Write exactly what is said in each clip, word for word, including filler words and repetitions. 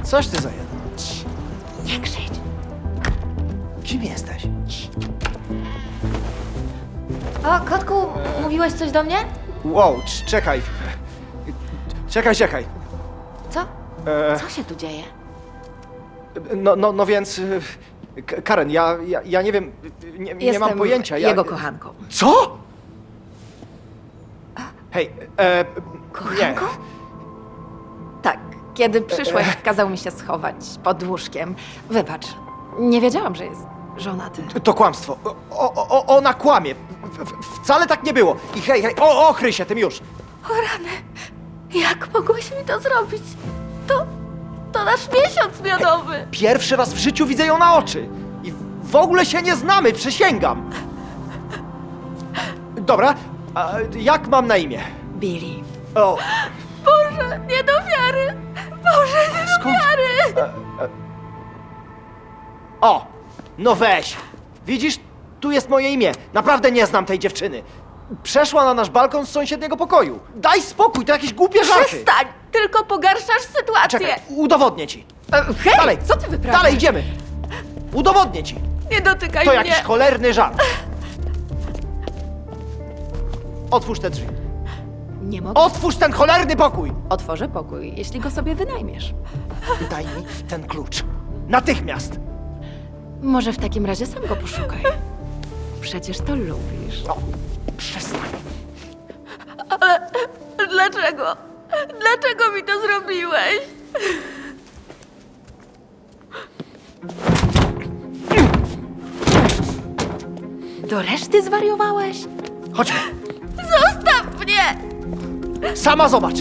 Coś ty za jeden. Nie krzycz. Kim jesteś? O, kotku, mówiłeś coś do mnie? Wow, cz- czekaj. Czekaj, czekaj. Co? E, Co się tu dzieje? no, no, no więc... y, K- Karen, ja, ja, ja nie wiem, nie, nie Jestem mam pojęcia. Ja... jego kochanką. Co? Hej, e, Kochanką? Tak, kiedy przyszłeś, kazał mi się schować pod łóżkiem. Wybacz, nie wiedziałam, że jest żonaty. nie, to kłamstwo. O, o, o, ona kłamie. W, w, wcale tak nie było. I hej, hej, o, o, kryj się tym już. O rany, jak mogłeś mi to zrobić? To, to nasz miesiąc miodowy. Pierwszy raz w życiu widzę ją na oczy. I w ogóle się nie znamy, przysięgam. Dobra, a jak mam na imię? Billy. O, Boże, nie do wiary. Boże, nie do skąd? wiary. E, e. O, no weź. Widzisz, tu jest moje imię. Naprawdę nie znam tej dziewczyny. Przeszła na nasz balkon z sąsiedniego pokoju. Daj spokój, to jakieś głupie żarty. Przestań, tylko pogarszasz sytuację. Czekaj, udowodnię ci. E, Hej, Dalej, co ty wyprawiasz? Dalej idziemy. Udowodnię ci. Nie dotykaj To mnie. jakiś cholerny żart. Otwórz te drzwi. Nie mogę. Otwórz ten cholerny pokój. Otworzę pokój, jeśli go sobie wynajmiesz. Daj mi ten klucz. Natychmiast. Może w takim razie sam go poszukaj. Przecież to lubisz. O, przestań. Dlaczego? Dlaczego mi to zrobiłeś? Do reszty zwariowałeś? Chodźmy. Zostaw mnie! Sama zobacz.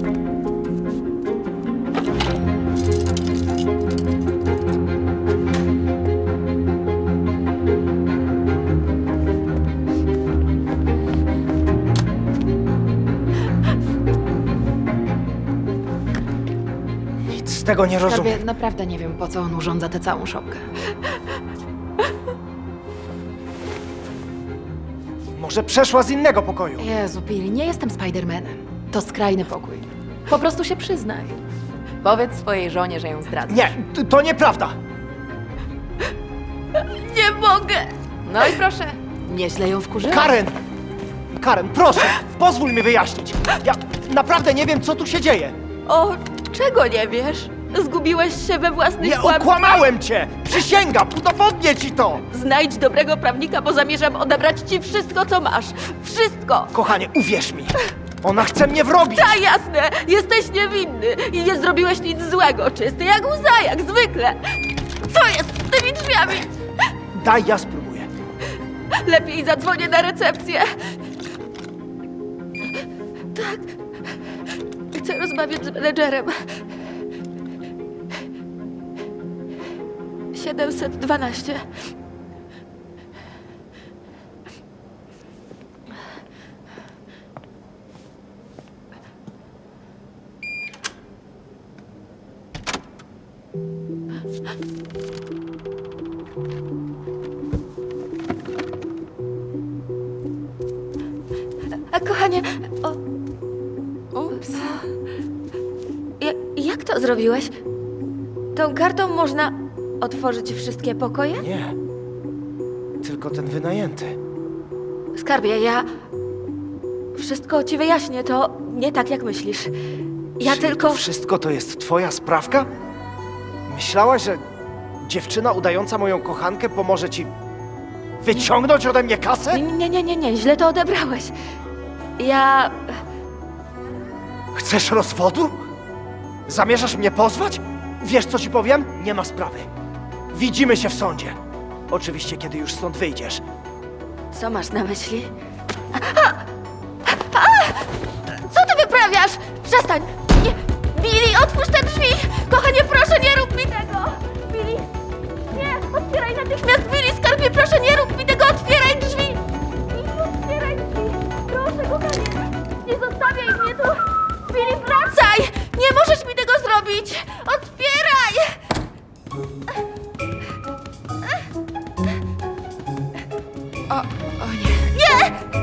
Nic z tego nie rozumiem. Skarbie, naprawdę nie wiem, po co on urządza tę całą szopkę. Może przeszła z innego pokoju. Jezu, Billy, nie jestem Spidermanem. To skrajny pokój. Po prostu się przyznaj. Powiedz swojej żonie, że ją zdradzasz. Nie, t- to nieprawda. Nie mogę! No i proszę, nieźle ją wkurzyłam. Karen! Karen, proszę, pozwól mi wyjaśnić. Ja naprawdę nie wiem, co tu się dzieje. O, czego nie wiesz? Zgubiłeś się we własnych Nie kłamstwach? okłamałem cię! Przysięgam, udowodnię ci to! Znajdź dobrego prawnika, bo zamierzam odebrać ci wszystko, co masz. Wszystko! Kochanie, uwierz mi, ona chce mnie wrobić. Tak, jasne! Jesteś niewinny i nie zrobiłeś nic złego. Czysty jak łza, jak zwykle. Co jest z tymi drzwiami? Daj, ja spróbuję. Lepiej zadzwonię na recepcję. Tak. Chcę rozmawiać z menedżerem. siedemset dwanaście. A kochanie, o... Ups. Ja, jak to zrobiłeś? Tą kartą można otworzyć wszystkie pokoje? Nie, tylko ten wynajęty. Skarbie, ja... Wszystko ci wyjaśnię, to nie tak, jak myślisz. Ja Czyli tylko... to wszystko to jest twoja sprawka? Myślałaś, że dziewczyna udająca moją kochankę pomoże ci wyciągnąć ode mnie kasę? Nie, nie, nie, nie, źle to odebrałeś. Ja... Chcesz rozwodu? Zamierzasz mnie pozwać? Wiesz, co ci powiem? Nie ma sprawy. Widzimy się w sądzie. Oczywiście, kiedy już stąd wyjdziesz. Co masz na myśli? A! A! Co ty wyprawiasz? Przestań! Nie! Billy, otwórz te drzwi! Kochanie, proszę, nie rób mi tego! Billy! Nie! Otwieraj natychmiast! Billy, skarbie, proszę, nie rób mi tego! Otwieraj drzwi! Billy, otwieraj drzwi! Proszę, kochanie! Nie zostawiaj mnie tu! Billy, wracaj! Nie możesz mi tego zrobić! Otwieraj! O, o nie. Nie!